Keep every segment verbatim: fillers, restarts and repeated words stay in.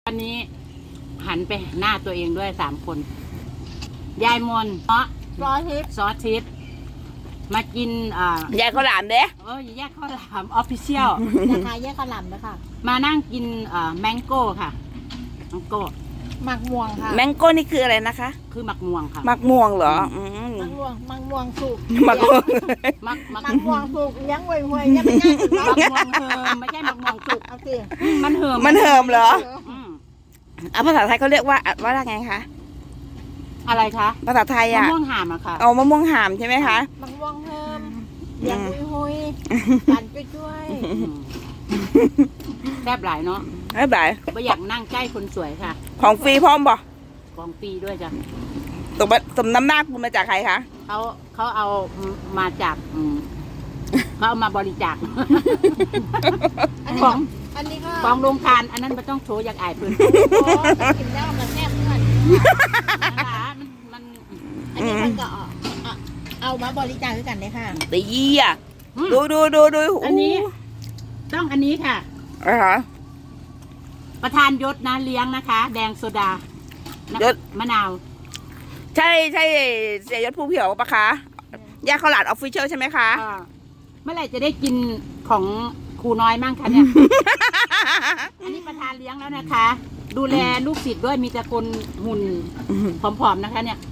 วันนี้หันไปหน้าตัวเองด้วยสามคน ยายมนเนาะซอสทิปซอสทิปมากินอ่ายายข้าวหลามเด้เออแยกข้าวหลามออฟฟิเชียลนะคะแยกกระหล่ำนะคะมานั่งกินอ่าแมงโก้ค่ะแมงโก้หมักม่วงค่ะแมงโก้นี่คืออะไรนะคะคือหมักม่วงค่ะมักม่วงเหรออืมหมักม่วงหมักม่วงสุกมักม่วงมักมักหมักม่วงสุกเลี้ยงห่วยห่วยๆยังไม่ง่ายสุดมัเนาะกม่วงเหิมไม่ใช่มักม่วงสุกเอาสิมันเหิมมันเหิมเหรออืมอ่ะภาษาไทยเขาเรียกว่าว่าอะไรไงคะอะไรคะภาษาไทยมะอ่ะม่วงหามอะค่ะเอามะม่วงหามใช่ไหมคะหมักม่วงเฮิมเลี้ยงห่วยห่วยๆปั่นช่วยอืมแซ่บหลายเนาะไม่เป็นไรไม่อยากนั่งใกล้คนสวยค่ะของฟรีพร้อมบ่กองปีด้วยจ้ะสมสมน้ำหน้าคุณมาจากใครคะเขาเขาเอามาจากอืมเขาเอามาบริจาคๆอันนี้ของอันนี้ก็ของโรงทานอันนั้นไม่ต้องโชว์อยากอายเพื่อนโอ้แต่กินแล้วมันแซ่บเพื่อนนะคะมันมันอันนี้มันก็เอาเอาเอามาบริจาคด้วยกันเลยค่ะตียี่อ่ะอืมดูดูดูดูอันนี้ ต้องอันนี้ค่ะอะฮะประธานยศนะเลี้ยงนะคะ แดงโซดานะยศมะนาวใช่ใช่เสียยศผู้เผียวปะคะยาข้าวหลามออฟฟิเชียลใช่ไหมคะอ่าเมื่อไหร่จะได้กินของครูน้อยมั่งคะเนี่ย อันนี้ประธานเลี้ยงแล้วนะคะ ดูแลลูกศิษย์ด้วยมีแต่คนหุ่นผอมๆนะคะ เนี่ย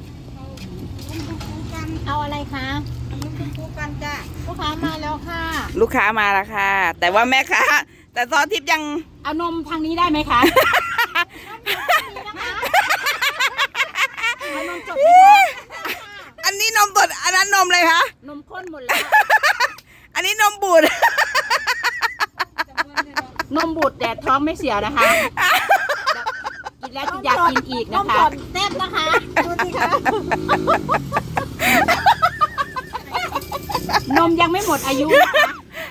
เอาอะไรคะลูกกันจ้ะลูกค้ามาแล้วค่ะลูกค้ามาแล้วค่ะ แต่ว่าแม่ค้าแต่ซอสทิพย์ยังเอานมทางนี้ได้ไหมคะ เอานมสดไหมคะอันนี้นมสดอันนั้นนมเลยคะนมข้นหมดแล้วอันนี้นมบูดนมบูดแต่ท้องไม่เสียนะคะกินแล้วจะอยากกินอีกนนะมคะสดแซ่บนะคะดูสิคะนมยังไม่หมดอายุนะคะ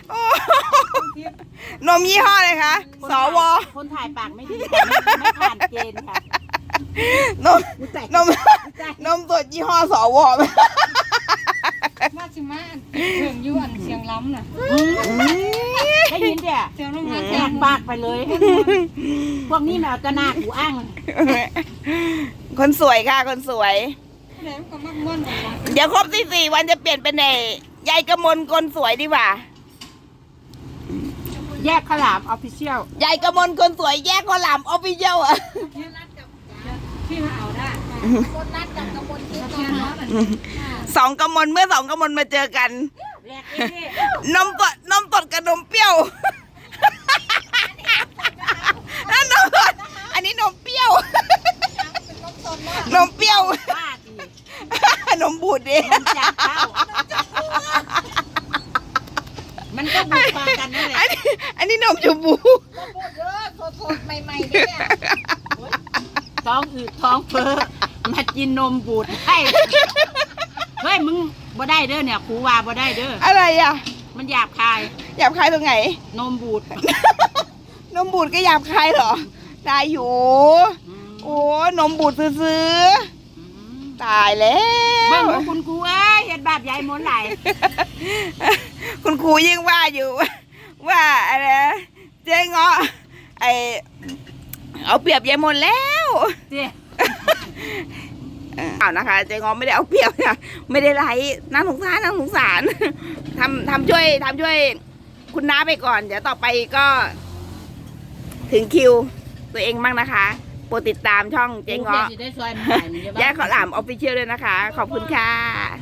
นมยี่ห้อเลยคะคนสถ่ายวอคนถ่ายปากไม่ดีค่ะไม่ไม่ผ่านเกณฑ์ค่ะนมนมนมสดยี่ห้อสวมาชิมาเสียงยวนเสียงล้ำน่ะอืมได้ยินเดี๋ยเสียงลงมาแจกปากไปเลย พวกนี้แมวจะหน้ากูอ้างคนสวยค่ะ คนสวยแล้วก็มักม่วนออกมาเดี๋ยวครบสี่สี่วันจะเปลี่ยนเป็นไอ้ยายกระมลคนสวยดีกว่าแยกขาวหลามออฟฟิเชียลยายกระมลคนสวยแยกข้าวหลามออฟฟิเชียลอะที่มาเอาได้คนนัดกับกระบวนทิพย์เสียงนะล้คะำสองกระมลเมื่อสองกระมลมาเจอกันแรกเอ๊ะนมสดนมสดกับนมเปรี้ยว นั่นนมสดอันนี้นมเปรี้ยว นมเปรี้ยวบ้าจีนมบูดดิมันจากเต้ามันก็บุกมากันนั่นแหอัละนนี้อันนี้นมชมพูพูดเยอะสดๆใหม่ๆเนี่ยท้องอืดท้องเฟ้อมากินนมบูดให้เฮ้ยมึงบ่ได้เด้อเนี่ยครูว่าบ่ได้เด้ออะไรอ่ะมันหยาบคายหยาบคายตรงไหนนมบูดนมบูดก็หยาบคายเหรอ ได้อยู่อืมโอ้นมบูดซื้ออืมๆตายแล้เบิ่งวว่าคุณครูเอ้ยเฮ็ดบาปยายมนต์ไหลายคุณครูยิ่งว่าอยู่ ว่าอะไรนะเจ๊เงาะไอเอาเปรียบยายมนแล้วเจ้เอานะคะเจ๊เงาะไม่ได้เอาเปรียบนะไม่ได้ไล่น่าสงสารน่าสงสารทำทำช่วยทำช่วยคุณน้าไปก่อน เดี๋ยวต่อไปก็ ถึงคิวตัวเองบ้างนะคะโปรดติดตามช่องเจ๊เงาะกูจะได้ซอยมันไหลมันจะบ้าย่าข้าวหลามออฟฟิเชียลด้วยนะคะ ขอบคุณค่ะ